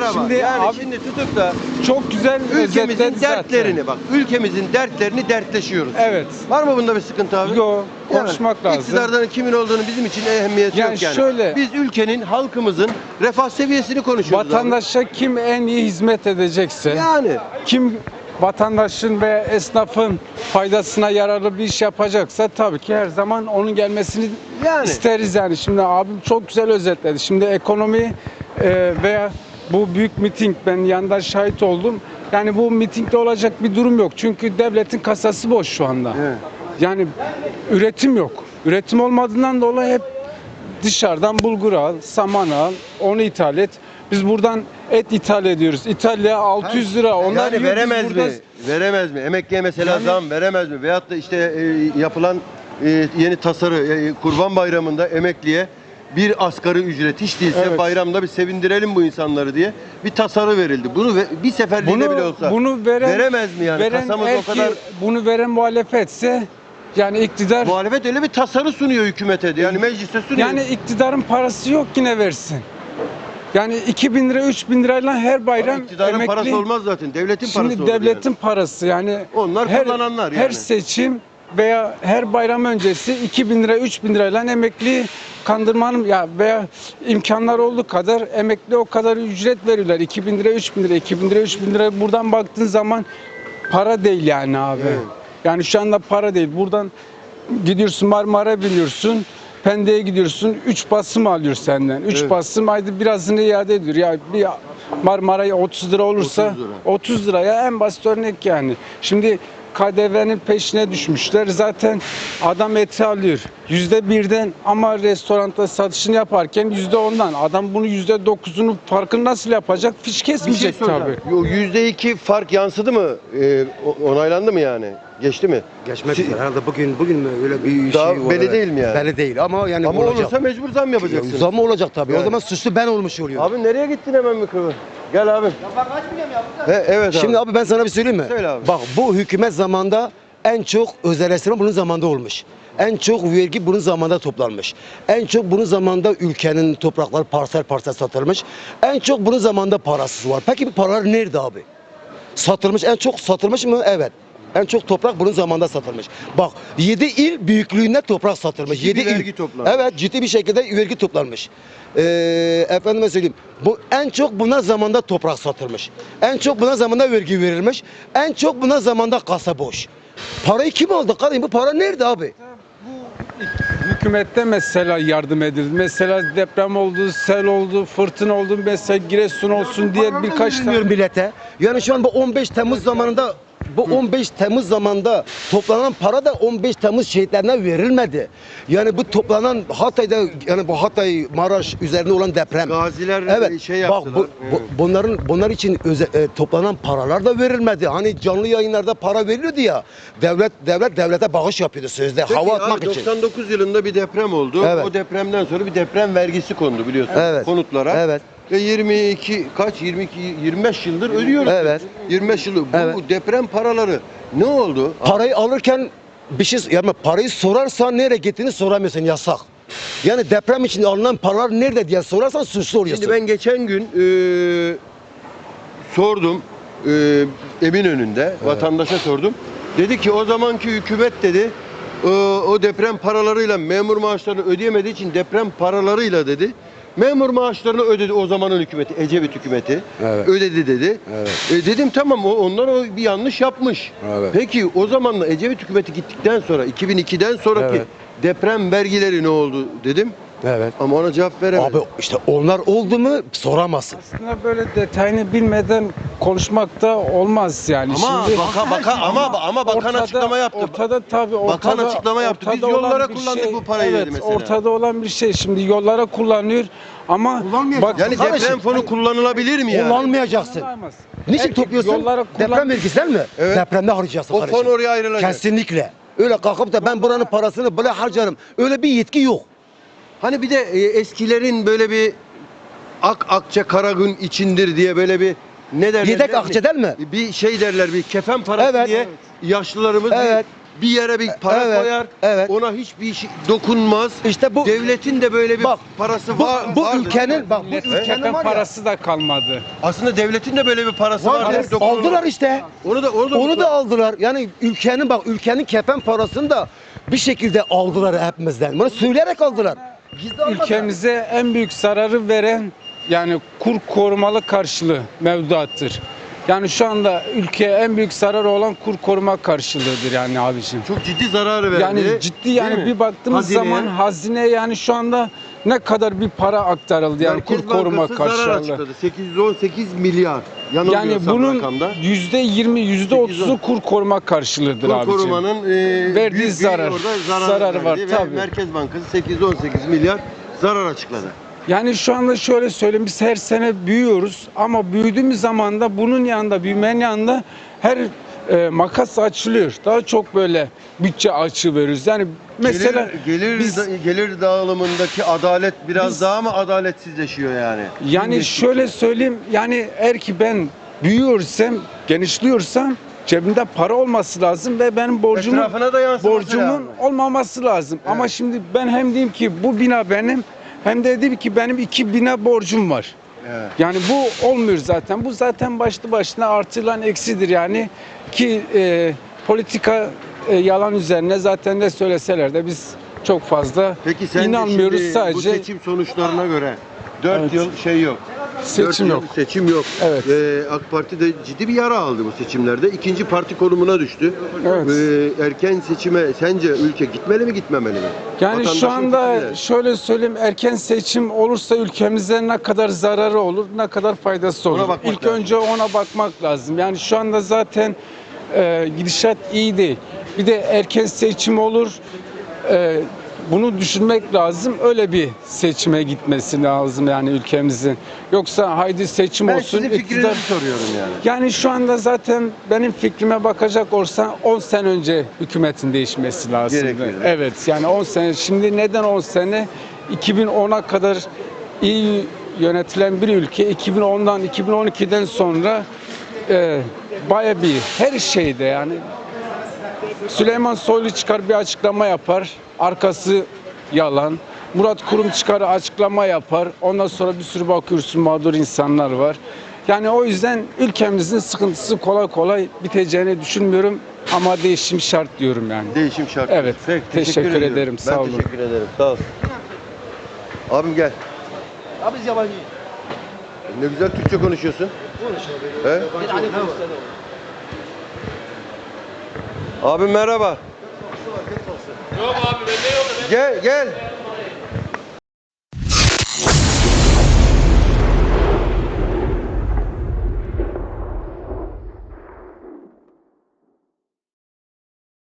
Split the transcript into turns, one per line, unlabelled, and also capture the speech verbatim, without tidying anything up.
ama.
Şimdi
yani
abi,
şimdi tutup da
çok güzel
ülkemizin dertlerini
zaten.
bak. Ülkemizin dertlerini dertleşiyoruz.
Evet.
Var mı bunda bir sıkıntı abi?
Yo, konuşmak
yani,
lazım.
İktidardan kimin olduğunu bizim için ehemmiyeti
Yani
yok yani.
şöyle-
Biz ülkenin, halkımızın refah seviyesini konuşuyoruz
Vatandaşa kim en iyi hizmet edecekse,
abi. Yani.
kim vatandaşın ve esnafın faydasına yararlı bir iş yapacaksa tabii ki her zaman onun gelmesini
Yani.
isteriz yani. Şimdi abim çok güzel özetledi. Şimdi ekonomi e, veya bu büyük miting, ben yandan şahit oldum. Yani bu mitingde olacak bir durum yok. Çünkü devletin kasası boş şu anda.
Evet.
Yani üretim yok. Üretim olmadığından dolayı hep dışarıdan bulgur al, saman al, onu ithal et. Biz buradan et ithal ediyoruz. İtalya altı yüz lira. Onlar
yani
yiyor, biz
veremez
burada-
mi? Veremez mi? Emekliye mesela
Yani-
zam veremez mi? Veyahut da işte e, yapılan e, yeni tasarı e, Kurban Bayramı'nda emekliye bir asgari ücret hiç değilse
Evet.
bayramda bir sevindirelim bu insanları diye bir tasarı verildi. Bunu ve, bir seferliğine bile olsa
bunu veren,
veremez mi yani?
veren
Kasamız
eğer
o kadar
ki bunu veren muhalefetse yani iktidar,
muhalefet öyle bir tasarı sunuyor hükümete de. Yani mecliste sunuyor.
yani iktidarın parası yok yine versin. Yani iki bin lira, üç bin lirayla her bayram
Ama iktidarın
emekli.
parası olmaz zaten. Devletin parası
Şimdi
olur
devletin
yani.
parası yani.
Onlar
her,
kullananlar
Her
yani.
seçim veya her bayram öncesi iki bin lira, üç bin lirayla emekli kandırmanın ya veya imkanlar olduğu kadar emekli o kadar ücret veriyorlar. iki bin lira, üç bin lira, iki bin lira, üç bin lira buradan baktığın zaman para değil yani abi.
Evet.
Yani şu anda para değil. Buradan gidiyorsun Marmara biniyorsun. Pendik'e gidiyorsun. üç basım alıyor senden. üç
Evet.
basım haydi birazını iade ediyor. Ya bir Marmara'ya otuz lira olursa
otuz lira.
otuz liraya en basit örnek yani. Şimdi K D V'nin peşine düşmüşler. Zaten adam eti alıyor. Yüzde birden ama restoranda satışını yaparken yüzde ondan. Adam bunu yüzde dokuzunun farkını nasıl yapacak? Fiş
Bir şey
kesmeyecek
soracağım.
tabii.
Yo, yüzde iki fark yansıdı mı? Ee, o- onaylandı mı yani? Geçti mi?
Geçmek
Si-
üzere. Herhalde bugün bugün mü öyle bir
Daha
şey
belli
olarak-
değil mi yani?
Belli değil ama yani
Ama
olacak.
olursa mecbur zam yapacaksın.
Zam olacak tabii.
Yani.
O zaman suçlu ben olmuş oluyor.
Abi nereye gittin hemen mikrofon? Gel abi. Ya ben kaçmayacağım ya. He, evet abi.
Şimdi abi ben sana bir söyleyeyim mi?
Söyle abi.
Bak bu hükümet zamanında en çok özelleştirme bunun zamanında olmuş. En çok vergi bunun zamanında toplanmış. En çok bunun zamanında ülkenin toprakları parsel parsel satılmış. En çok bunun zamanında parasız var. Peki bu paralar nerede abi? Satılmış, en çok satılmış mı? Evet. En çok toprak bunun zamanında satılmış. Bak yedi il büyüklüğünde toprak satılmış.
Ciddi
yedi
bir
il.
vergi toplanmış.
Evet, ciddi bir şekilde vergi toplanmış. Ee, efendime söyleyeyim. Bu en çok buna zamanda toprak satılmış. En çok buna zamanda vergi verilmiş. En çok buna zamanda kasa boş. Parayı kim aldı kardeşim? Bu para nerede abi?
Hükümette mesela yardım edildi. Mesela deprem oldu, sel oldu, fırtına oldu, mesela Giresun olsun diye birkaç tane.
Bilmiyorum millete. Yani şu an bu on beş Temmuz zamanında bu on beş Temmuz zamanında toplanan para da on beş Temmuz şehitlerine verilmedi. Yani bu toplanan Hatay'da yani bu Hatay Maraş üzerinde olan deprem.
Gaziler
Evet.
şey
Bak
yaptılar.
bu, bu- bunların bunlar için öze- e, toplanan paralar da verilmedi. Hani canlı yayınlarda para veriliyordu ya. Devlet devlet devlete bağış yapıyordu sözde
Peki
hava
abi,
atmak için.
doksan dokuz yılında bir deprem oldu.
Evet.
O depremden sonra bir deprem vergisi kondu biliyorsun
Evet.
konutlara.
Evet.
Ve yirmi iki kaç yirmi iki yirmi beş yıldır ödüyoruz.
Evet.
yirmi beş yıldır. Bu
Evet.
deprem paraları ne oldu?
Parayı alırken bir şey yani parayı sorarsan nereye gittiğini soramıyorsun, yasak. Yani deprem için alınan paralar nerede diye sorarsan suçlu oluyorsun.
Şimdi ben geçen gün e, sordum e, Eminönü'nde vatandaşa sordum. Dedi ki o zamanki hükümet dedi e, o deprem paralarıyla memur maaşlarını ödeyemediği için deprem paralarıyla dedi memur maaşlarını ödedi o zamanın hükümeti, Ecevit hükümeti
Evet.
ödedi dedi.
Evet.
E, dedim tamam o onlar o bir yanlış yapmış.
Evet.
Peki o zamanla Ecevit hükümeti gittikten sonra iki bin ikiden sonraki
Evet.
deprem vergileri ne oldu dedim.
Evet.
Ama ona cevap veremedi.
Abi işte onlar oldu mu soramazsın.
Aslında böyle detayını bilmeden konuşmak da olmaz yani.
Ama
Şimdi
baka, baka, ama ama bakan
ortada-
açıklama yaptı.
Ortada tabii ortada,
Bakan açıklama yaptı. Biz
ortada olan
yollara
bir
kullandık
şey-
bu parayı
evet,
dedi mesela.
ortada olan bir şey. Şimdi yollara kullanıyor ama
Kullanmayacak.
bak
Yani
Kardeşim,
deprem fonu kullanılabilir mi yani?
Kullanmayacaksın.
kullanılamaz.
Niçin
Her-
topluyorsun?
Yollara kullan-
Deprem vergisinden mi?
Evet.
Depremde harcayacaksın
O
kardeşim.
fon oraya ayrılacak.
Kesinlikle. Öyle kalkıp da ben buranın parasını böyle harcarım. Öyle bir yetki yok.
Hani bir de e, eskilerin böyle bir ak akçe kara gün içindir diye böyle bir ne derler?
Yedek
ne-
akçeden mi?
Bir şey derler bir kefen parası
Evet.
diye yaşlılarımız
Evet.
bir yere bir para
Evet,
koyar.
evet.
Ona hiçbir şey dokunmaz.
İşte bu
Devletin de böyle bir
Bak,
parası
bu,
var.
bu
vardır.
ülkenin bak bu
Milletin
ülkenin
kefen
var ya.
parası da kalmadı.
Aslında devletin de böyle bir parası var.
Vardır. Aldılar işte.
Onu da onu da
Onu da aldılar. Yani ülkenin bak ülkenin kefen parasını da bir şekilde aldılar hepimizden. Bunu söyleyerek aldılar. Gizli almadılar.
Ülkemize en büyük zararı veren yani kur korumalı karşılığı mevduattır. Yani şu anda ülkeye en büyük zararı olan kur koruma karşılığıdır yani abiciğim.
çok ciddi zararı verdi.
Yani ciddi yani
Değil mi?
bir baktığımız
Hazineye.
zaman hazine yani şu anda ne kadar bir para aktarıldı yani
Merkez
kur koruma
Bankası zarar
karşılığı.
açıkladı. sekiz yüz on sekiz milyar.
Yani
Yanılmıyorsam
bunun
rakamda.
yüzde yirmi, yüzde otuzu kur koruma karşılığıdır
Kur
abiciğim.
korumanın e,
Verdiği
büyük bir
zarar.
orada zarar
Zararı var,
verdi ve
tabii.
Merkez Bankası sekiz yüz on sekiz milyar zarar açıkladı.
Yani şu anda şöyle söyleyeyim biz her sene büyüyoruz ama büyüdüğümüz zaman da bunun yanında büyümenin yanında her e, makas açılıyor. Daha çok böyle bütçe açığı veriyoruz. Yani mesela
gelir gelir,
biz-
da- gelir dağılımındaki adalet biraz
Biz-
daha mı adaletsizleşiyor yani?
yani
Geçtikçe.
şöyle söyleyeyim yani eğer ki ben büyüyorsam, genişliyorsam cebimde para olması lazım ve benim borcumun
Etrafına da yansıması
borcumun
lazım.
olmaması lazım. Ama
Evet.
şimdi ben hem diyeyim ki bu bina benim hem de diyeyim ki benim iki bina borcum var.
Evet.
Yani bu olmuyor zaten. Bu zaten başlı başına artılan eksidir yani ki e, politika e, yalan üzerine zaten ne söyleseler de biz çok fazla
Peki sen
inanmıyoruz
şimdi
sadece.
bu seçim sonuçlarına göre dört
Evet.
yıl şey yok.
Seçim
Dört yıl
yok.
Seçim yok.
Evet.
Ee, AK Parti de ciddi bir yara aldı bu seçimlerde. İkinci parti konumuna düştü.
Evet.
Ee, erken seçime sence ülke gitmeli mi gitmemeli mi?
Yani
Vatandaşın
şu anda
fikri ne?
şöyle söyleyeyim erken seçim olursa ülkemize ne kadar zararı olur, ne kadar faydası olur.
Ona bakmak
İlk
lazım.
önce ona bakmak lazım. Yani şu anda zaten e, gidişat iyi değil. Bir de erken seçim olur. E, bunu düşünmek lazım. Öyle bir seçime gitmesi lazım yani ülkemizin. Yoksa haydi seçim
Ben
olsun.
sizin fikrinizi
iktidar-
soruyorum yani.
Yani şu anda zaten benim fikrime bakacak olsan on sene önce hükümetin değişmesi lazım.
Gerekiyor.
Evet yani on sene. Şimdi neden on sene? iki bin ona kadar iyi yönetilen bir ülke iki bin ondan iki bin on ikiden sonra e, baya bir her şeyde yani Süleyman Soylu çıkar bir açıklama yapar. Arkası yalan. Murat Kurum çıkar açıklama yapar. Ondan sonra bir sürü bakıyorsun mağdur insanlar var. Yani o yüzden ülkemizin sıkıntısı kolay kolay biteceğini düşünmüyorum. Ama değişim şart diyorum yani.
Değişim şart.
Evet,
Peki,
teşekkür
ediyorum.
ederim,
Ben
sağ olun.
teşekkür ederim. Sağ ol. Abim gel.
Abi biz yabancı.
Ne güzel Türkçe konuşuyorsun. He? Abim merhaba.
Yok abi bende yok.
Gel gel.